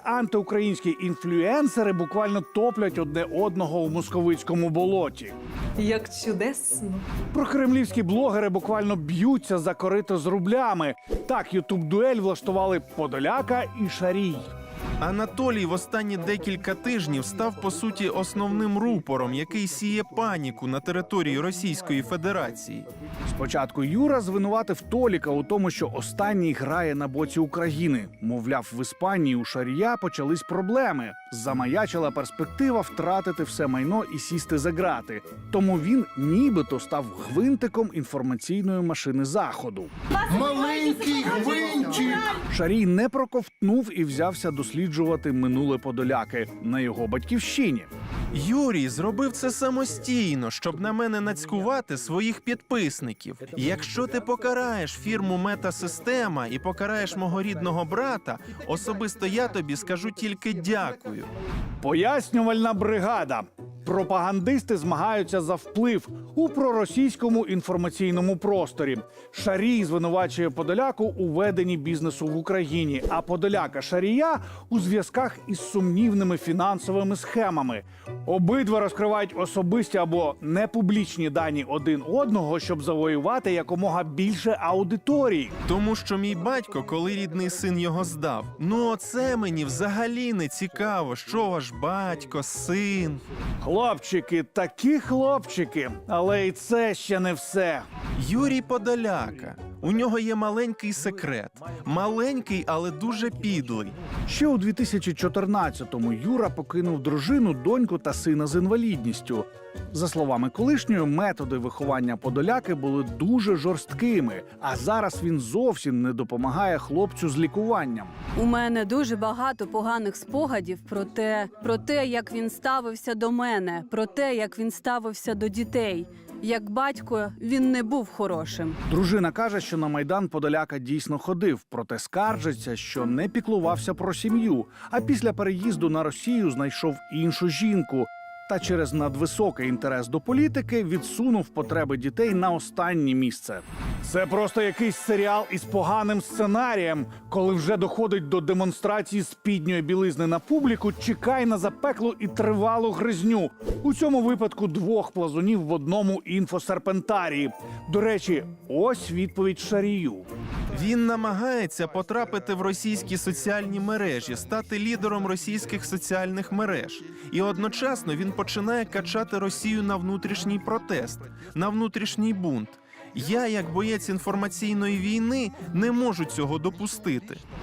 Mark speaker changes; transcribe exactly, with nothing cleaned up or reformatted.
Speaker 1: антиукраїнські інфлюенсери буквально топлять одне одного у московицькому болоті.
Speaker 2: Як чудесно.
Speaker 1: Прокремлівські блогери буквально б'ються за корито з рублями. Так, ютуб-дуель влаштували Подоляка і Шарій.
Speaker 3: Анатолій в останні декілька тижнів став, по суті, основним рупором, який сіє паніку на території Російської Федерації.
Speaker 1: Спочатку Юра звинуватив Толіка у тому, що останній грає на боці України. Мовляв, в Іспанії у Шарія почались проблеми. Замаячила перспектива втратити все майно і сісти за ґрати. Тому він нібито став гвинтиком інформаційної машини Заходу.
Speaker 4: Маленький гвинтик!
Speaker 1: Шарій не проковтнув і взявся досліджувати минуле Подоляки на його батьківщині.
Speaker 3: Юрій зробив це самостійно, щоб на мене нацькувати своїх підписників. Якщо ти покараєш фірму Метасистема і покараєш мого рідного брата, особисто я тобі скажу тільки дякую.
Speaker 1: Пояснювальна бригада. Пропагандисти змагаються за вплив у проросійському інформаційному просторі. Шарій звинувачує Подоляку у веденні бізнесу в Україні, а Подоляка Шарія у зв'язках із сумнівними фінансовими схемами. Обидва розкривають особисті або непублічні дані один одного, щоб завоювати якомога більше аудиторії.
Speaker 3: Тому що мій батько, коли рідний син його здав, ну оце мені взагалі не цікаво, що ваш батько, син.
Speaker 1: Хлопчики, такі хлопчики, але і це ще не все.
Speaker 3: Юрій Подоляка. У нього є маленький секрет. Маленький, але дуже підлий.
Speaker 1: Ще у дві тисячі чотирнадцятому Юра покинув дружину, доньку та сина з інвалідністю. За словами колишньої, методи виховання Подоляки були дуже жорсткими, а зараз він зовсім не допомагає хлопцю з лікуванням.
Speaker 5: У мене дуже багато поганих спогадів про те, про те, як він ставився до мене, про те, як він ставився до дітей. Як батько, він не був хорошим.
Speaker 1: Дружина каже, що на Майдан Подоляка дійсно ходив, проте скаржиться, що не піклувався про сім'ю, а після переїзду на Росію знайшов іншу жінку. Та через надвисокий інтерес до політики відсунув потреби дітей на останнє місце. Це просто якийсь серіал із поганим сценарієм. Коли вже доходить до демонстрації спідньої білизни на публіку, чекай на запеклу і тривалу гризню. У цьому випадку двох плазунів в одному інфосерпентарії. До речі, ось відповідь Шарію.
Speaker 3: Він намагається потрапити в російські соціальні мережі, стати лідером російських соціальних мереж. І одночасно він починає качати Росію на внутрішній протест, на внутрішній бунт. Я, як боєць інформаційної війни, не можу цього допустити.